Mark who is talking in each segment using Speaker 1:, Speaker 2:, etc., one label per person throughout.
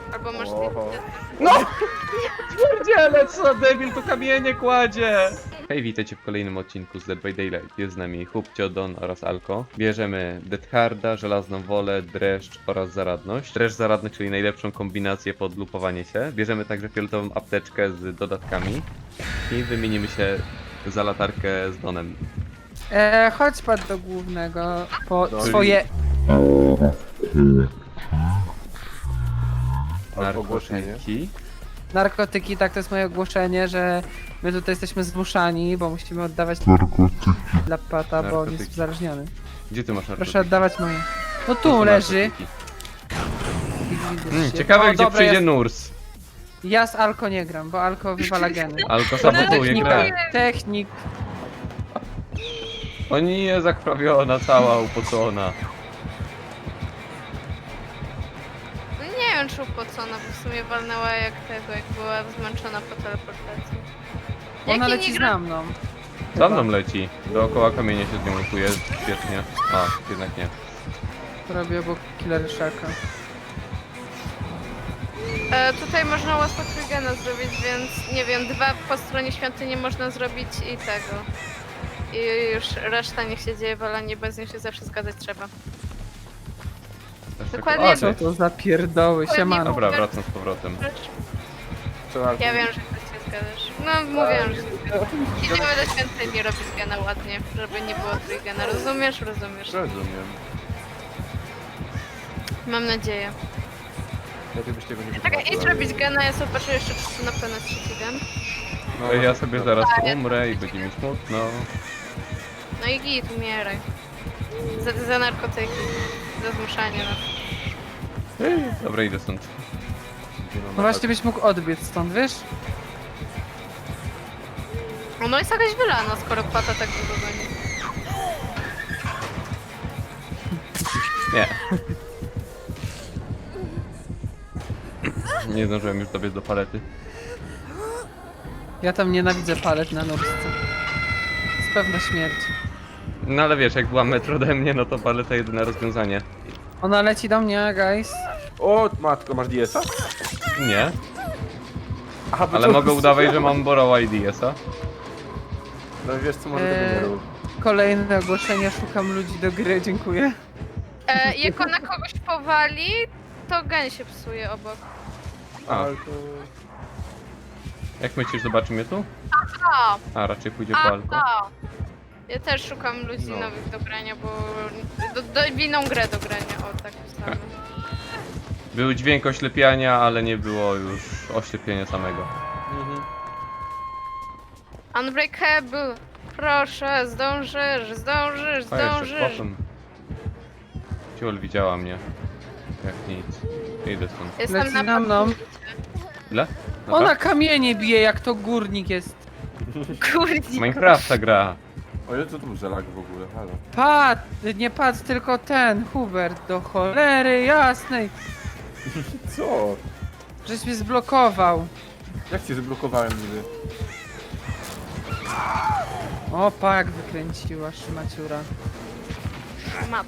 Speaker 1: Albo masz...
Speaker 2: Oho.
Speaker 3: No! Pierdziele, co debil tu kamienie kładzie! Hej, witajcie w kolejnym odcinku z Dead by Daylight. Jest z nami Hubcio, Don oraz Alko. Bierzemy Deathharda, Żelazną Wolę, Dreszcz oraz Zaradność. Dreszcz, Zaradność, czyli najlepszą kombinację pod lupowanie się. Bierzemy także fioletową apteczkę z dodatkami. I wymienimy się za latarkę z Donem.
Speaker 4: Chodź pan do głównego po
Speaker 2: Czyli-
Speaker 4: swoje...
Speaker 3: Narkotyki.
Speaker 4: narkotyki, tak to jest moje ogłoszenie, że my tutaj jesteśmy zmuszani, bo musimy oddawać dla pata, bo on jest
Speaker 3: Narkotyki.
Speaker 4: uzależniony.
Speaker 3: Gdzie ty masz narkotyki?
Speaker 4: Proszę oddawać moje. No
Speaker 3: To
Speaker 4: tu
Speaker 3: są
Speaker 4: leży.
Speaker 3: narkotyki. Ciekawe,
Speaker 4: O,
Speaker 3: gdzie
Speaker 4: dobra,
Speaker 3: przyjdzie
Speaker 4: ja-
Speaker 3: Nurs.
Speaker 4: Ja z Alko nie gram, bo Alko wywala geny.
Speaker 3: Alko sabotuje grę.
Speaker 4: Technik.
Speaker 3: O nie, zakrwawiona, cała upocona.
Speaker 1: No nie wiem, czy upocona, bo w sumie walnęła jak tego, jak była zmęczona po teleportacji.
Speaker 4: Ona
Speaker 1: Jakie
Speaker 4: leci
Speaker 1: nie
Speaker 4: za
Speaker 1: gra-
Speaker 4: mną.
Speaker 3: Za mną leci. Dookoła kamienia się z nią lutuje. Świetnie. A, jednak nie.
Speaker 4: Robię obok Killer Sharka.
Speaker 1: Tutaj można łatwo trygena zrobić, więc nie wiem, 2 po stronie świątyni można zrobić i tego. I już reszta niech się dzieje walanie, bez nich się zawsze zgadzać trzeba. Dokładnie.
Speaker 3: O,
Speaker 4: Co
Speaker 3: cześć.
Speaker 4: to za pierdoły, siemano.
Speaker 3: Dobra, wracam z powrotem.
Speaker 1: Ja wiem, że ty się zgadzasz. No mówię, że się zgadzasz. Idziemy do świątyni robić gena ładnie, żeby nie było trygena. Rozumiesz? Rozumiesz.
Speaker 2: Rozumiem.
Speaker 1: Mam nadzieję.
Speaker 2: Lepiej byś tego nie
Speaker 1: Czekaj, idź
Speaker 2: wytłumaczyła.
Speaker 1: robić gena, ja zobaczę jeszcze, czy tu na pewno jest trzeci gen.
Speaker 2: No,
Speaker 3: Ja sobie zaraz umrę i będzie mi smutno.
Speaker 1: No i git, umieraj. Za narkotyki. Za zmuszanie nas.
Speaker 3: Dobra, idę stąd.
Speaker 4: No właśnie byś mógł odbiec stąd, wiesz?
Speaker 1: No jest jakaś wylana, skoro pata tak długo goni.
Speaker 3: Nie. Nie zdążyłem już dobiec do palety.
Speaker 4: Ja tam nienawidzę palet na nóżce. Z pewna śmierć.
Speaker 3: No ale wiesz, jak była metro ode mnie, no to paleta jedyne rozwiązanie.
Speaker 4: Ona leci do mnie, guys.
Speaker 2: O, matko, masz DS-a?
Speaker 3: Nie,
Speaker 2: Aha, bo
Speaker 3: ale
Speaker 2: to-
Speaker 3: mogę udawać, że mam Borrow IDS-a.
Speaker 2: No wiesz co, może tego nie rób.
Speaker 4: Kolejne ogłoszenie, szukam ludzi do gry, dziękuję.
Speaker 1: Jak ona kogoś powali, to gen się psuje obok.
Speaker 3: A,
Speaker 2: Ale to...
Speaker 3: jak myślisz, zobaczymy tu?
Speaker 1: A,
Speaker 3: A, raczej pójdzie po alko.
Speaker 1: Ja też szukam ludzi
Speaker 2: No.
Speaker 1: nowych do grania, bo... w inną grę do grania, o tak ustawę.
Speaker 3: Był dźwięk oślepiania, ale nie było już oślepienia samego.
Speaker 2: Mhm.
Speaker 1: Unbreakable! Proszę, zdążysz, zdążysz,
Speaker 3: A jeszcze
Speaker 1: zdążysz!
Speaker 3: potem. Ciul widziała mnie. Jak nic. Idę stąd.
Speaker 1: Jestem
Speaker 4: Leci
Speaker 1: na
Speaker 4: na mną.
Speaker 3: Ile? Dobra?
Speaker 4: Ona kamienie bije, jak to górnik jest.
Speaker 1: Kurde.
Speaker 3: Minecrafta gra.
Speaker 2: O, ile to tu za lag w ogóle, halo.
Speaker 4: Nie patrz, tylko ten, Hubert, do cholery jasnej.
Speaker 2: Co?
Speaker 4: Żeś mnie zblokował.
Speaker 2: Jak cię zablokowałem niby?
Speaker 4: O, jak wykręciła szmaciura.
Speaker 1: Mata.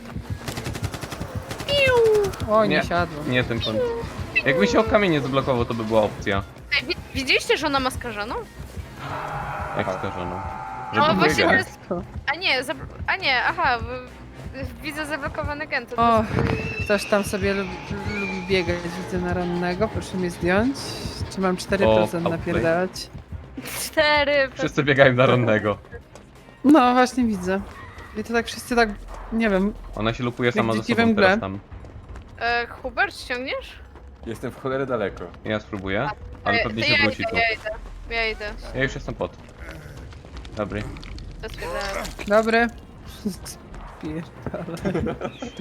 Speaker 4: O, nie
Speaker 3: Nie.
Speaker 4: siadło.
Speaker 3: Nie ten pan. Jakby się o kamień nie zablokował, to by była opcja.
Speaker 1: Ej, widzieliście, że ona ma skażoną?
Speaker 3: Jak
Speaker 2: Aha.
Speaker 3: skażoną.
Speaker 1: No
Speaker 3: Żeby
Speaker 1: właśnie to
Speaker 3: biegać.
Speaker 1: jest... A nie, aha, widzę zablokowany gen, to
Speaker 4: O, ktoś tam sobie lubi biegać, widzę na rannego, proszę mnie zdjąć. Czy mam 4%
Speaker 3: outplay.
Speaker 4: napierdalać?
Speaker 1: 4.
Speaker 3: Wszyscy biegają na rannego.
Speaker 4: No, właśnie widzę. I to tak wszyscy tak, nie wiem,
Speaker 3: Ona się lupuje sama ze
Speaker 4: dziki we
Speaker 3: sobą
Speaker 4: mgle.
Speaker 3: teraz tam.
Speaker 1: Hubert, ściągniesz?
Speaker 2: Jestem w cholerę daleko.
Speaker 3: Ja spróbuję, ale
Speaker 1: To
Speaker 3: pewnie
Speaker 1: ja
Speaker 3: się wróci
Speaker 1: idę,
Speaker 3: tu.
Speaker 1: ja idę.
Speaker 3: Ja już jestem pod. Dobry.
Speaker 1: To stwierdzałem.
Speaker 4: dobry. Spierdolę.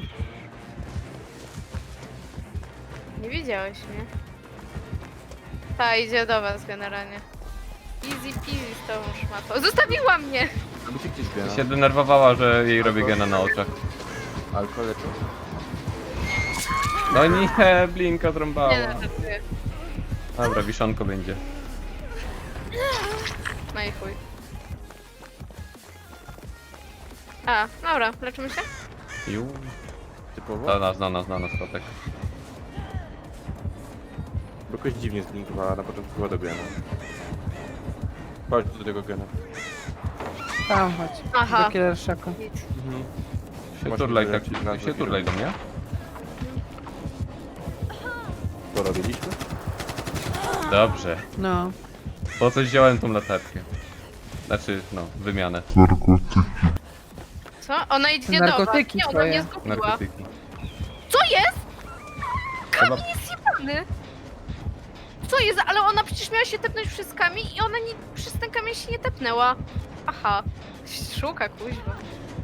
Speaker 1: Nie widziałeś mnie. Ta, idzie do was generalnie. Easy peasy z tą szmatą. Zostawiła mnie!
Speaker 2: By się gdzieś biera.
Speaker 3: Się denerwowała, że jej robię gena na oczach.
Speaker 2: Alkohol to?
Speaker 3: No nie, Blinka
Speaker 1: Nie
Speaker 3: trąbała.
Speaker 1: no, żartuję.
Speaker 3: Dobra, wiszonko będzie.
Speaker 1: No i chuj. A, dobra, leczymy się?
Speaker 3: Ju.
Speaker 2: Typowo?
Speaker 3: Znana, kotek.
Speaker 2: Bo jakoś dziwnie zblinkowała, na początku była do gena. Chodź do tego gena.
Speaker 4: Tam chodź.
Speaker 1: Aha.
Speaker 4: Do Killer Shacka.
Speaker 1: Git.
Speaker 3: Się
Speaker 2: Masz
Speaker 3: turlaj
Speaker 2: mi
Speaker 3: tak,
Speaker 2: wylecieć na
Speaker 3: się turlaj do mnie.
Speaker 2: To robiliśmy?
Speaker 3: Dobrze.
Speaker 4: No.
Speaker 3: Po coś wziąłem tą latarkę. Znaczy, no, wymianę.
Speaker 1: Co? Ona idzie do was.
Speaker 4: Narkotyki
Speaker 1: Nie, ona
Speaker 4: twoje.
Speaker 1: mnie zgubiła.
Speaker 3: Narkotyki.
Speaker 1: Co jest?
Speaker 3: Chyba
Speaker 1: Jest jebany. Co jest? Ale ona przecież miała się tepnąć przez kamień i ona nie, przez ten kamień się nie tepnęła. Aha. Szuka kuźwa.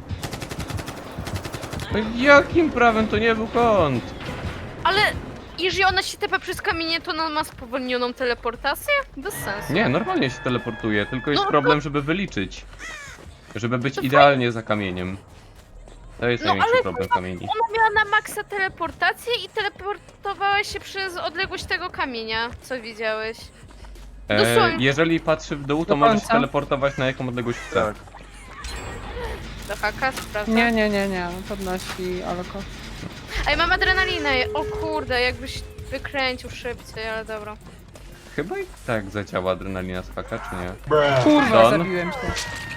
Speaker 3: No jakim prawem to nie był kąt?
Speaker 1: Ale jeżeli ona się tepa przez kamienie, to ona ma spowolnioną teleportację? Bez sensu.
Speaker 3: Nie, normalnie się teleportuje, tylko jest
Speaker 1: No,
Speaker 3: problem, żeby wyliczyć. Żeby być
Speaker 1: To
Speaker 3: idealnie za kamieniem. To jest
Speaker 1: No,
Speaker 3: największy
Speaker 1: ale
Speaker 3: problem kamieni.
Speaker 1: Ona miała na maksa teleportację i teleportowała się przez odległość tego kamienia, co widziałeś. dosłownie.
Speaker 3: Jeżeli patrzy w dół, to
Speaker 4: Do
Speaker 3: możesz się
Speaker 4: końca.
Speaker 3: teleportować na jaką odległość chce.
Speaker 2: Tak.
Speaker 1: Do haka, sprawdzam.
Speaker 4: Nie. Podnosi Alko.
Speaker 1: Ej, mam adrenalinę. O kurde, jakbyś wykręcił szybciej, ale dobra.
Speaker 3: Chyba i tak zadziała adrenalina z haka, czy nie?
Speaker 4: Kurwa,
Speaker 3: Don?
Speaker 4: zabiłem się.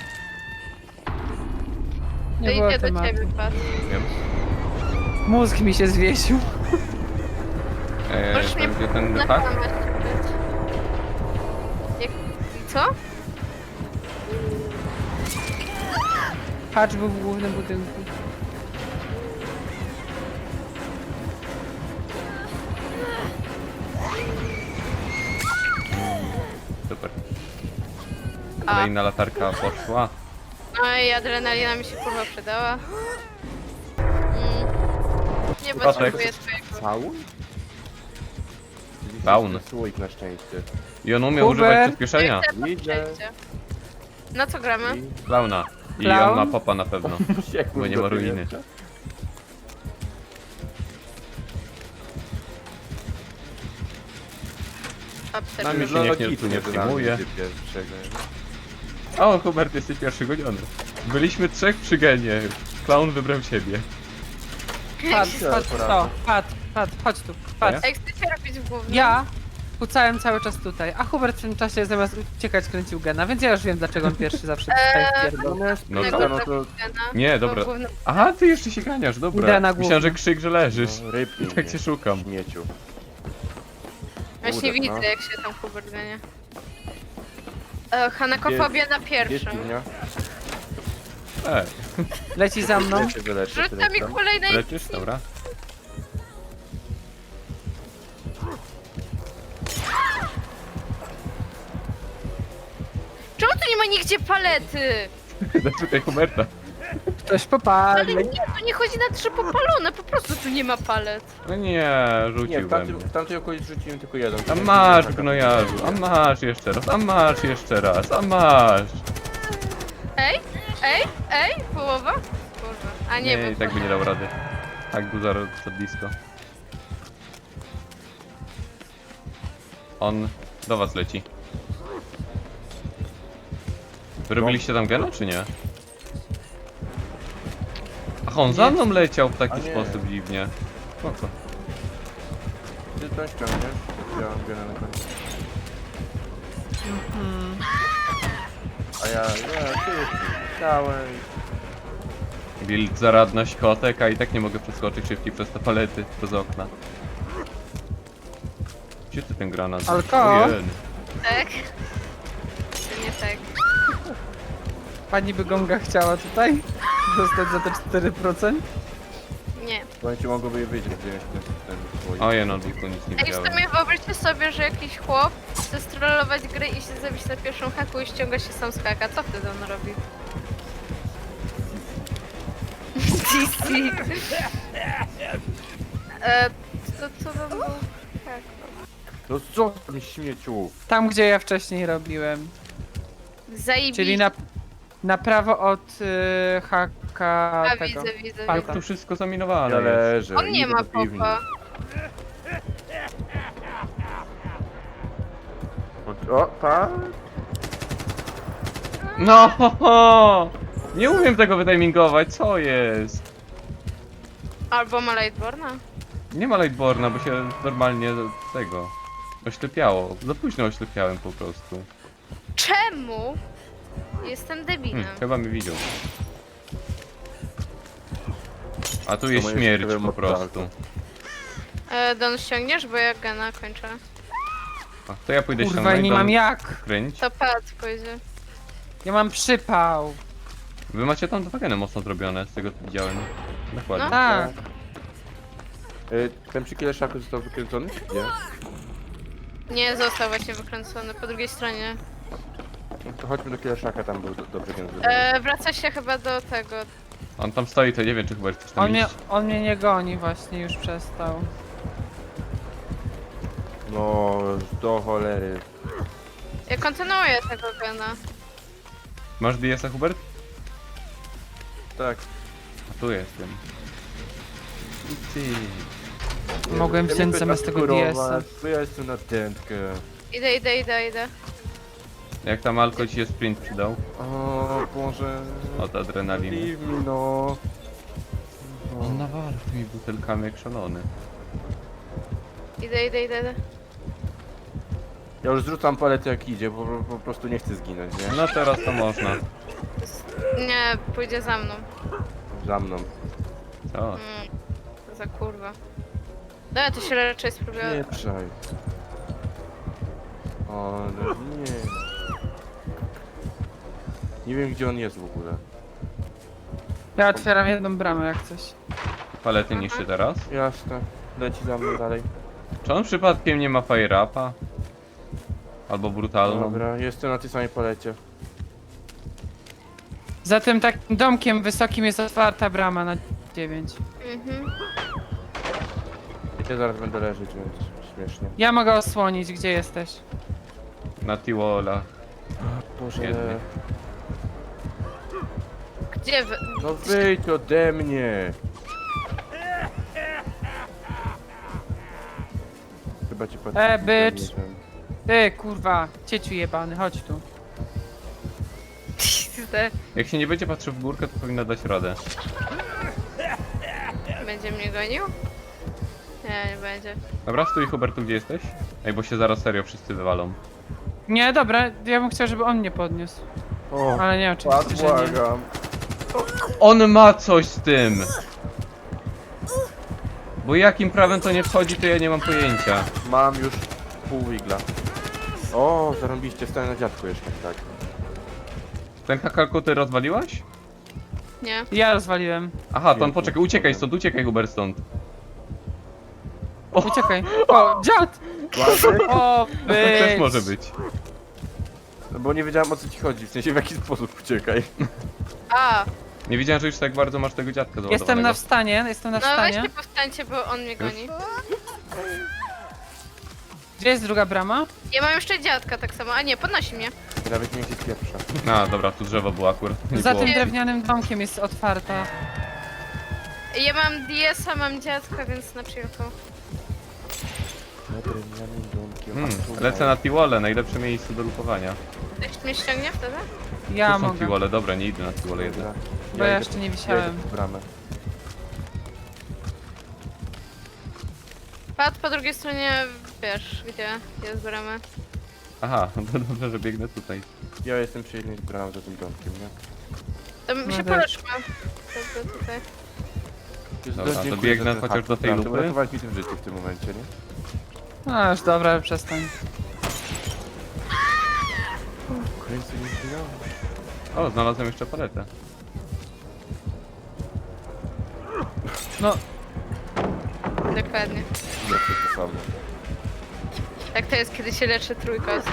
Speaker 1: To
Speaker 4: Nie było
Speaker 1: idzie do
Speaker 4: tematu.
Speaker 1: ciebie, patrz.
Speaker 3: Wiem.
Speaker 4: Mózg mi się zwiesił.
Speaker 1: Możesz mnie
Speaker 3: Gdzie ten
Speaker 1: na
Speaker 3: hak?
Speaker 1: kamerę czytać. Jak... Co?
Speaker 4: Patch był w głównym budynku.
Speaker 3: Super.
Speaker 1: A.
Speaker 3: Kolejna latarka poszła.
Speaker 1: No i adrenalina mi się kurwa przydała. Nie
Speaker 3: Patek.
Speaker 1: potrzebuję twojego.
Speaker 2: Faun?
Speaker 3: Faun.
Speaker 2: Słoik na szczęście.
Speaker 3: I on umie
Speaker 4: Hubert.
Speaker 3: używać przyspieszenia.
Speaker 2: Widzę.
Speaker 1: Na co gramy?
Speaker 3: Klauna. I
Speaker 4: Klaun?
Speaker 3: on ma popa na pewno. Bo nie ma ruiny. Nami się niech nie, tu nie przejmuje. O, Hubert, jesteś pierwszy goniony. Byliśmy trzech przy genie. Klaun wybrał ciebie.
Speaker 4: Patrz, chodź tu. Patrz.
Speaker 1: Jak chcecie robić w głównym?
Speaker 4: Ja kucałem cały czas tutaj, a Hubert w tym czasie zamiast uciekać kręcił gena, więc ja już wiem dlaczego on pierwszy zawsze tutaj wpierdol.
Speaker 3: No
Speaker 1: Tego
Speaker 3: to...
Speaker 2: no to-
Speaker 3: Nie, dobra. Aha, ty jeszcze się ganiasz,
Speaker 4: Idę
Speaker 3: dobra.
Speaker 4: na
Speaker 3: Myślałem, że
Speaker 4: główny.
Speaker 3: krzyk, że leżysz.
Speaker 2: No, rypnij
Speaker 3: Tak
Speaker 2: mnie,
Speaker 3: cię szukam.
Speaker 2: śmieciu.
Speaker 1: Właśnie
Speaker 2: Kurde,
Speaker 1: widzę
Speaker 2: no.
Speaker 1: jak się tam Hubert gania. Hanakofobia na
Speaker 2: Gdzie
Speaker 1: pierwszym.
Speaker 2: piwnia?
Speaker 4: Leci za mną.
Speaker 2: Ja się wyleczę,
Speaker 1: Rzuć tam mi
Speaker 2: tyle.
Speaker 1: kolejnej...
Speaker 3: Leczysz? Dobra.
Speaker 1: Czemu tu nie ma nigdzie palety?
Speaker 3: Zapytaj Huberta.
Speaker 4: Ktoś
Speaker 1: Ale
Speaker 4: popali.
Speaker 1: nie, tu nie chodzi na trzy popalone, po prostu tu nie ma palet.
Speaker 3: No nie,
Speaker 2: Nie,
Speaker 3: rzucił
Speaker 2: w
Speaker 3: we
Speaker 2: tamtym,
Speaker 3: mnie.
Speaker 2: w tamtej okolicy rzuciłem tylko jeden.
Speaker 3: A masz, gnojarzu, a masz jeszcze raz, a masz jeszcze raz, a masz.
Speaker 1: Ej, połowa? Kurwa. A nie,
Speaker 3: Nie,
Speaker 1: bo
Speaker 3: i tak by nie dał rady. Tak był za blisko. On do was leci. Wy robiliście tam gena, czy nie? Ach, on za mną leciał w
Speaker 2: A
Speaker 3: taki
Speaker 2: nie.
Speaker 3: sposób dziwnie. Po co?
Speaker 2: Ty to ściągniesz? Ja mam gena na końcu. A ty chciałem.
Speaker 3: Build zaradność kotek, a i tak nie mogę przeskoczyć szybciej przez te palety, przez okna. Gdzie ty ten granat?
Speaker 4: Alko?
Speaker 3: Ojej.
Speaker 1: tak. Czy nie tak?
Speaker 4: Pani by gonga chciała tutaj dostać za te 4%.
Speaker 1: Nie.
Speaker 2: Bo ci mogłoby je wiedzieć, gdzie jest ten twój.
Speaker 3: Ojej, no tu nic nie
Speaker 1: Ej, w
Speaker 3: widziałem.
Speaker 1: sumie wyobraźcie sobie, że jakiś chłop chce strollować grę i się zabić na pierwszym haku i ściąga się sam z haka. Co wtedy on robi? DC. Co to było? Tak.
Speaker 2: No co tam śmieciu?
Speaker 4: Tam gdzie ja wcześniej robiłem.
Speaker 1: Zajebiście.
Speaker 4: Czyli na prawo od haka
Speaker 1: A,
Speaker 4: tego.
Speaker 1: widzę.
Speaker 4: Palka.
Speaker 3: Jak tu wszystko zaminowane
Speaker 2: Ja
Speaker 3: jest.
Speaker 2: leżę.
Speaker 1: On nie
Speaker 2: idę
Speaker 1: ma
Speaker 2: do piwni.
Speaker 1: popa.
Speaker 2: O, tak?
Speaker 3: No! Ho, ho! Nie umiem tego wytimingować, co jest?
Speaker 1: Albo ma Lightborna.
Speaker 3: Nie ma Lightborna, bo się normalnie tego Oślepiało. Za późno oślepiałem po prostu.
Speaker 1: Czemu? Jestem debilem.
Speaker 3: Chyba mi widział. A tu jest
Speaker 2: moje
Speaker 3: śmierć
Speaker 2: ciekawe
Speaker 3: po prostu.
Speaker 1: Don ściągniesz, bo ja gena kończę.
Speaker 3: A, to ja pójdę
Speaker 4: Kurwa,
Speaker 3: ściągnąć,
Speaker 4: nie
Speaker 3: dam
Speaker 4: mam jak.
Speaker 3: kręć.
Speaker 1: To pad pójdzie.
Speaker 4: Ja mam przypał.
Speaker 3: Wy macie tam dwa geny mocno zrobione, z tego co widziałem. Dokładnie.
Speaker 1: No.
Speaker 4: Tak.
Speaker 2: Ten przy Kileszaku został wykręcony? Nie.
Speaker 1: Nie, został właśnie wykręcony po drugiej stronie.
Speaker 2: No to chodźmy do Kileszaka, tam był dobrze gen zrobiony.
Speaker 1: Wraca się chyba do tego.
Speaker 3: On tam stoi, to nie wiem czy chyba chcesz tam iść.
Speaker 4: On mnie nie goni właśnie, już przestał.
Speaker 2: No, do cholery.
Speaker 1: Ja kontynuuję tego gena.
Speaker 3: Masz DS-a, Hubert?
Speaker 2: Tak.
Speaker 3: A tu jestem. I ty.
Speaker 4: Mogłem
Speaker 2: Ja
Speaker 4: wziąć
Speaker 2: mogę
Speaker 4: zamiast
Speaker 2: tak
Speaker 4: tego DS-a.
Speaker 2: kurować, bo ja jestem na dętkę.
Speaker 1: Idę.
Speaker 3: Jak tam Alko ci się sprint przydał?
Speaker 2: O Boże.
Speaker 3: Od adrenaliny.
Speaker 2: Leave me, no.
Speaker 3: On nawala tymi butelkami jak szalony.
Speaker 1: Idę.
Speaker 2: Ja już zrzucam paletę jak idzie, bo po prostu nie chcę zginąć, nie?
Speaker 3: No teraz to można.
Speaker 1: Nie, pójdzie za mną.
Speaker 2: Za mną.
Speaker 3: Co?
Speaker 1: To za kurwa. Dobra, to się raczej spróbuję.
Speaker 2: Nie trzaj. O, no nie. Nie wiem gdzie on jest w ogóle.
Speaker 4: Ja otwieram jedną bramę jak coś.
Speaker 3: Palety niszczy teraz?
Speaker 2: Jasne. Leci za mną dalej.
Speaker 3: Czy on przypadkiem nie ma fire upa? Albo brutalną?
Speaker 2: Dobra, jestem na tej samej palecie.
Speaker 4: Za tym takim domkiem wysokim jest otwarta brama na 9.
Speaker 1: Mhm.
Speaker 2: Ja zaraz będę leżeć, więc śmiesznie.
Speaker 4: Ja mogę osłonić, gdzie jesteś.
Speaker 3: Na Tiwola.
Speaker 2: Boże.
Speaker 3: Jedny.
Speaker 1: Gdzie wy?
Speaker 2: No wyjdź ode mnie! Chyba ci patrzę.
Speaker 4: bitch. Ty, kurwa, cieciu jebany, chodź tu.
Speaker 3: Jak się nie będzie patrzył w górkę, to powinno dać radę.
Speaker 1: Będzie mnie gonił? Nie będzie.
Speaker 3: Dobra, stój Hubertu, gdzie jesteś? Ej, bo się zaraz serio wszyscy wywalą.
Speaker 4: Nie, dobra, ja bym chciał, żeby on mnie podniósł.
Speaker 2: O,
Speaker 4: Ale nie, oczywiście, że nie.
Speaker 2: błagam.
Speaker 3: On ma coś z tym! Bo jakim prawem to nie wchodzi, to ja nie mam pojęcia.
Speaker 2: Mam już pół igla. O, zarąbiście, stałem na dziadku jeszcze, tak.
Speaker 3: Ten kakalku ty rozwaliłaś?
Speaker 1: Nie.
Speaker 4: Ja rozwaliłem.
Speaker 3: Aha, to on poczekaj, uciekaj Hubert stąd.
Speaker 4: Uciekaj. O, dziad! O,
Speaker 3: To też
Speaker 4: być.
Speaker 3: może być.
Speaker 2: No bo nie wiedziałem o co ci chodzi, w sensie w jaki sposób uciekaj.
Speaker 1: A,
Speaker 3: Nie wiedziałem, że już tak bardzo masz tego dziadka załadowanego.
Speaker 4: Jestem na wstanie, jestem na
Speaker 1: no
Speaker 4: wstanie.
Speaker 1: weźcie powstańcie, bo on mnie goni.
Speaker 4: Gdzie jest druga brama?
Speaker 1: Ja mam jeszcze dziadka tak samo, a nie, podnosi mnie.
Speaker 2: Nawet nie wiem gdzie jest pierwsza.
Speaker 3: A, dobra, tu drzewo było akurat. Nie
Speaker 4: Za
Speaker 3: było.
Speaker 4: tym drewnianym domkiem jest otwarta.
Speaker 1: Ja mam DS-a, mam dziadka, więc na przyjaciół.
Speaker 2: Na drewnianym domkiem.
Speaker 3: Lecę na Tiwole, najlepsze miejsce do lupowania.
Speaker 1: Ktoś mnie ściągnie wtedy?
Speaker 4: Ja
Speaker 3: Tu są
Speaker 4: mogę,
Speaker 3: Tiwole, dobra, nie idę na Tiwole jeden.
Speaker 4: bo ja jeszcze nie wisiałem.
Speaker 2: w bramę.
Speaker 1: Pad po drugiej stronie, wiesz, gdzie jest brama.
Speaker 3: Aha, to dobrze, że biegnę tutaj.
Speaker 2: Ja jestem przy jednej z bram za tym domkiem, nie?
Speaker 1: To my
Speaker 4: No
Speaker 1: się
Speaker 4: też.
Speaker 1: poleczmy. To tutaj.
Speaker 3: Dobra, to
Speaker 2: Dziękuję
Speaker 3: biegnę
Speaker 2: za ten
Speaker 3: chociaż
Speaker 2: hak,
Speaker 3: do tej
Speaker 2: naprawdę,
Speaker 3: lupy.
Speaker 2: Uratowałeś mi tym życie w tym momencie, nie?
Speaker 4: No już dobra, przestań.
Speaker 2: Kręcę nie zginąłem.
Speaker 3: O, znalazłem jeszcze paletę.
Speaker 4: No,
Speaker 1: Dokładnie.
Speaker 2: Nie, to samo.
Speaker 1: Tak to jest, kiedy się leczy trójkos.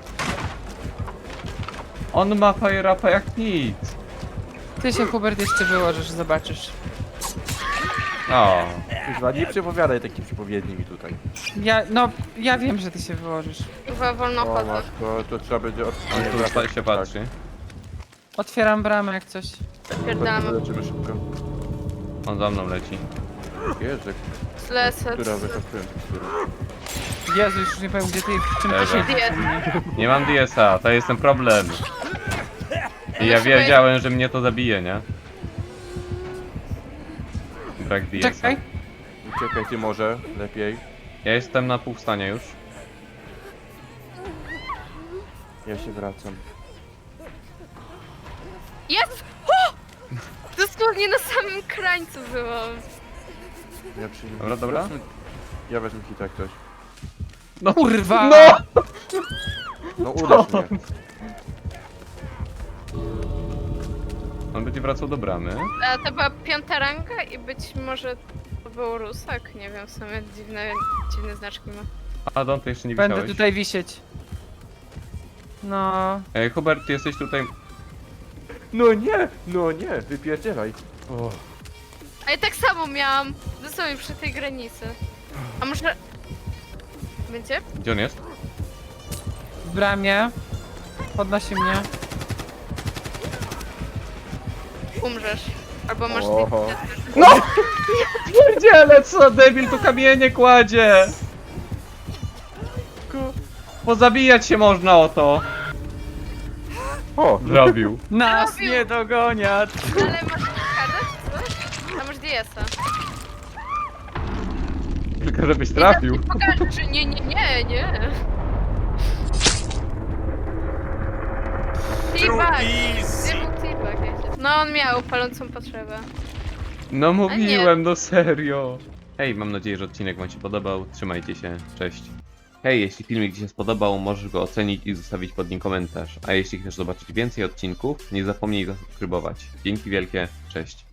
Speaker 3: On ma fire upa jak nic.
Speaker 4: ty się Hubert jeszcze wyłożysz, zobaczysz.
Speaker 3: O,
Speaker 2: Kurwa, nie przepowiadaj takich przepowiedni mi tutaj.
Speaker 4: Ja wiem, że ty się wyłożysz.
Speaker 1: Chyba wolno
Speaker 2: O
Speaker 1: chodzę.
Speaker 2: matko, to trzeba będzie od...
Speaker 3: on tu
Speaker 2: wracać,
Speaker 3: się patrzy.
Speaker 4: Otwieram bramę jak coś.
Speaker 2: Tak.
Speaker 1: Pierdalamy.
Speaker 2: Leczymy szybko.
Speaker 3: On za mną leci.
Speaker 2: Jezu,
Speaker 1: Lecę.
Speaker 2: która wykapują tekstury.
Speaker 4: Jezu, już nie powiem gdzie ty, w czym ty
Speaker 3: Dobra.
Speaker 4: siedzisz.
Speaker 3: Nie mam DS-a, to jest ten problem. I ja wiedziałem, że mnie to zabije, nie? Brak DS-a.
Speaker 4: Czekaj.
Speaker 2: Uciekaj ty może, lepiej.
Speaker 3: Ja jestem na pół stanie już.
Speaker 2: Ja się wracam.
Speaker 1: Jest! O! Dosłownie na samym krańcu byłam.
Speaker 2: Ja przyjmę.
Speaker 3: Dobra, dobra.
Speaker 2: Ja wezmę hita jak ktoś.
Speaker 3: No
Speaker 4: Kurwa!
Speaker 3: No!
Speaker 2: No uderz mnie.
Speaker 3: On będzie wracał do bramy.
Speaker 1: A to była 5. ranga i być może to był Rusak. Nie wiem, w sumie dziwne znaczki ma.
Speaker 3: A Don, ty jeszcze nie
Speaker 4: Będę
Speaker 3: wisiałeś.
Speaker 4: tutaj wisieć. No.
Speaker 3: Hubert, ty jesteś tutaj...
Speaker 2: No nie, wypierdzielaj. O,
Speaker 1: A ja tak samo miałam. Dosłownie przy tej granicy. A może... Będzie?
Speaker 3: Gdzie on jest?
Speaker 4: W bramie. Podnosi mnie.
Speaker 1: Umrzesz. Albo masz...
Speaker 2: Oho.
Speaker 3: No! Pierdziele, co debil tu kamienie kładzie! Pozabijać się można o to!
Speaker 2: O,
Speaker 3: Zrobił.
Speaker 4: Nas
Speaker 1: Robił.
Speaker 4: nie dogoniać!
Speaker 1: Ale masz kartę czy coś? A masz DS-a.
Speaker 3: Tylko żebyś trafił.
Speaker 1: Pokaż, nie. T-bag. Gdzie był T-bag? No on miał palącą potrzebę.
Speaker 3: No mówiłem, no serio. Hej, mam nadzieję, że odcinek wam się podobał. Trzymajcie się, cześć. Hej, jeśli filmik ci się spodobał, możesz go ocenić i zostawić pod nim komentarz. A jeśli chcesz zobaczyć więcej odcinków, nie zapomnij zasubskrybować. Dzięki wielkie, cześć.